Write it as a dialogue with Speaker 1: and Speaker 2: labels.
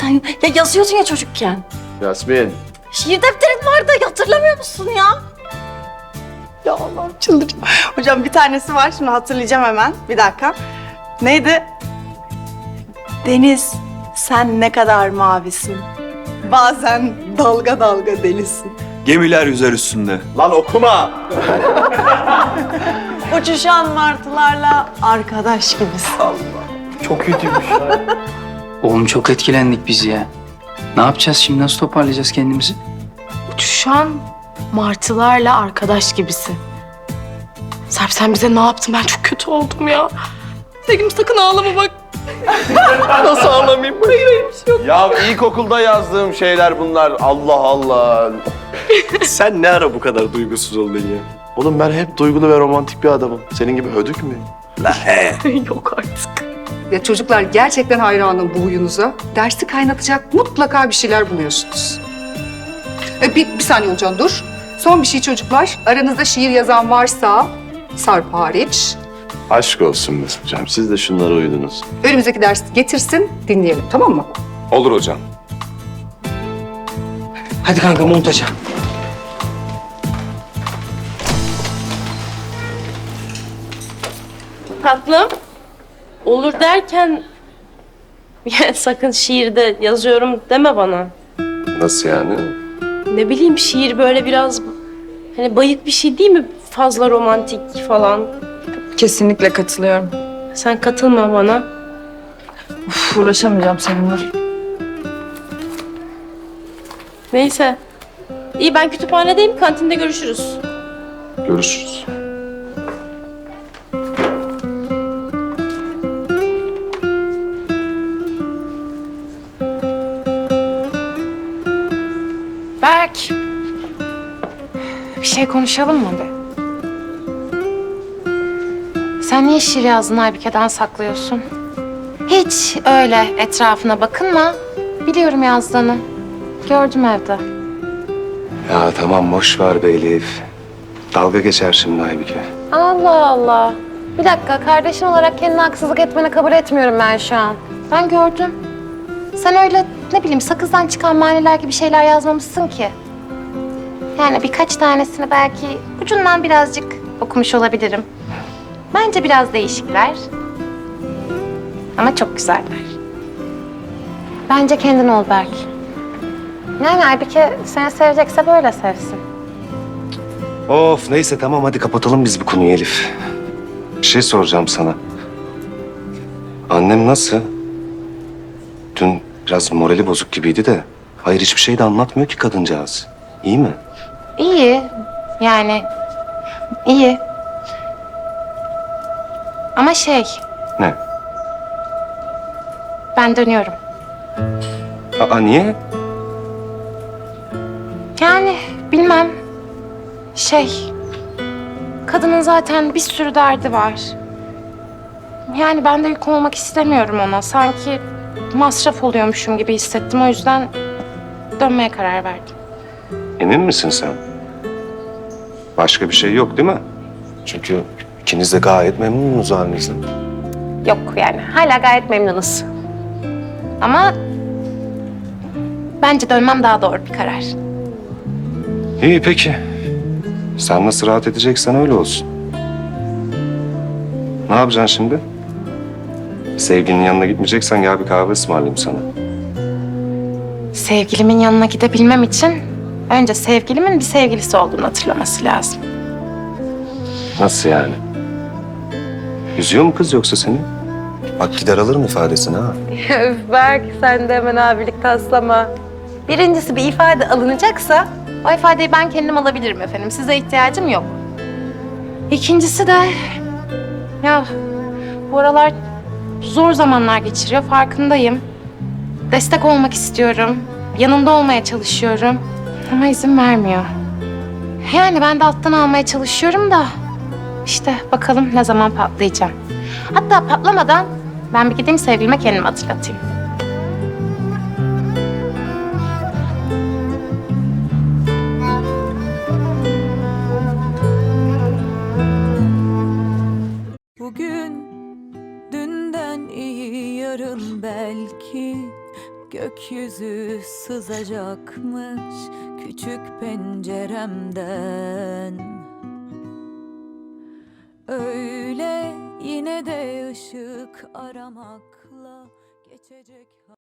Speaker 1: Ya yazıyordun ya çocukken.
Speaker 2: Yasmin.
Speaker 1: Şiir defterin vardı, hatırlamıyor musun ya?
Speaker 3: Ya Allah'ım çıldıracağım. Hocam bir tanesi var, şimdi hatırlayacağım hemen. Bir dakika. Neydi? Deniz, sen ne kadar mavisin. Bazen dalga dalga delisin.
Speaker 4: Gemiler yüzer üstünde.
Speaker 2: Lan okuma.
Speaker 3: Uçuşan martılarla arkadaş gibisin.
Speaker 2: Çok kötüymüş.
Speaker 5: Oğlum çok etkilendik biz ya. Ne yapacağız şimdi? Nasıl toparlayacağız kendimizi?
Speaker 6: Uçuşan martılarla arkadaş gibisin. Serp sen bize ne yaptın? Ben çok kötü oldum ya. Sevgilim sakın ağlama bak.
Speaker 2: Nasıl ağlamayayım? Hayır bir şey yok. Ya ilkokulda yazdığım şeyler bunlar. Allah Allah.
Speaker 4: Sen ne ara bu kadar duygusuz oldun ya?
Speaker 2: Oğlum ben hep duygulu ve romantik bir adamım. Senin gibi hödük müyüm?
Speaker 6: Yok artık.
Speaker 7: Ya çocuklar gerçekten hayranım bu huyunuza. Dersi kaynatacak mutlaka bir şeyler buluyorsunuz. Bir saniye Olcan dur. Son bir şey çocuklar. Aranızda şiir yazan varsa Sarp hariç
Speaker 2: Aşk olsun Mesut hocam. Siz de şunlara uydunuz.
Speaker 7: önümüzdeki dersi getirsin dinleyelim tamam mı?
Speaker 4: Olur hocam.
Speaker 5: Hadi kanka montaja.
Speaker 8: Tatlım, olur derken ya sakın şiirde yazıyorum deme bana.
Speaker 2: Nasıl yani?
Speaker 8: Ne bileyim şiir böyle biraz hani bayık bir şey değil mi? Fazla romantik falan.
Speaker 6: Kesinlikle katılıyorum.
Speaker 8: Sen katılma bana.
Speaker 6: Uğraşamayacağım seninle.
Speaker 8: Neyse. İyi ben kütüphanedeyim, kantinde görüşürüz.
Speaker 2: Görüşürüz.
Speaker 6: Berk. Bir şey konuşalım mı be? Sen niye şiir yazdığını Aybike'den saklıyorsun? Hiç öyle etrafına bakınma. Biliyorum yazdığını. Gördüm evde.
Speaker 9: Ya tamam boş ver be Elif. Dalga geçer şimdi Aybike.
Speaker 6: Allah Allah. Bir dakika, kardeşin olarak kendine haksızlık etmeni kabul etmiyorum ben şu an. Ben gördüm. Sen öyle ne bileyim sakızdan çıkan maniler gibi şeyler yazmamışsın ki. Yani birkaç tanesini belki ucundan birazcık okumuş olabilirim. Bence biraz değişikler. Ama çok güzeller. Bence kendin ol Berk. Yani Aybike seni sevecekse böyle sevsin.
Speaker 9: Of neyse tamam hadi kapatalım biz bu konuyu Elif. Bir şey soracağım sana. Annem nasıl? Dün biraz morali bozuk gibiydi de. Hayır hiçbir şey de anlatmıyor ki kadıncağız. İyi mi?
Speaker 6: İyi. Yani iyi. Ama
Speaker 9: Ne?
Speaker 6: ben dönüyorum.
Speaker 9: Aa niye?
Speaker 6: Yani bilmem. Kadının zaten bir sürü derdi var. Yani ben de yük olmak istemiyorum ona. Sanki masraf oluyormuşum gibi hissettim. O yüzden dönmeye karar verdim.
Speaker 9: Emin misin sen? Başka bir şey yok değil mi? Çünkü ikiniz de gayet memnunuz halinizden.
Speaker 6: Yok yani hala gayet memnunuz. Ama bence dönmem daha doğru bir karar.
Speaker 9: İyi peki. Sen nasıl rahat edeceksen öyle olsun. Ne yapacaksın şimdi? Sevgilinin yanına gitmeyeceksen gel bir kahve ısmarlayayım sana.
Speaker 6: Sevgilimin yanına gidebilmem için önce sevgilimin bir sevgilisi olduğunu hatırlaması lazım.
Speaker 9: Nasıl yani? Üzüyor mu kız yoksa seni? Bak gider alırım ifadesini ha.
Speaker 6: Öf Berk sen de hemen abilik taslama. Birincisi bir ifade alınacaksa o ifadeyi ben kendim alabilirim efendim. Size ihtiyacım yok. İkincisi de ya bu aralar zor zamanlar geçiriyor farkındayım. Destek olmak istiyorum. Yanında olmaya çalışıyorum. Ama izin vermiyor. Yani ben de alttan almaya çalışıyorum da işte bakalım ne zaman patlayacağım. Hatta patlamadan ben bir gideyim sevgilime kendimi hatırlatayım.
Speaker 10: Bugün dünden iyi yarın belki gökyüzü sızacakmış küçük penceremden. Öyle yine de ışık aramakla geçecek.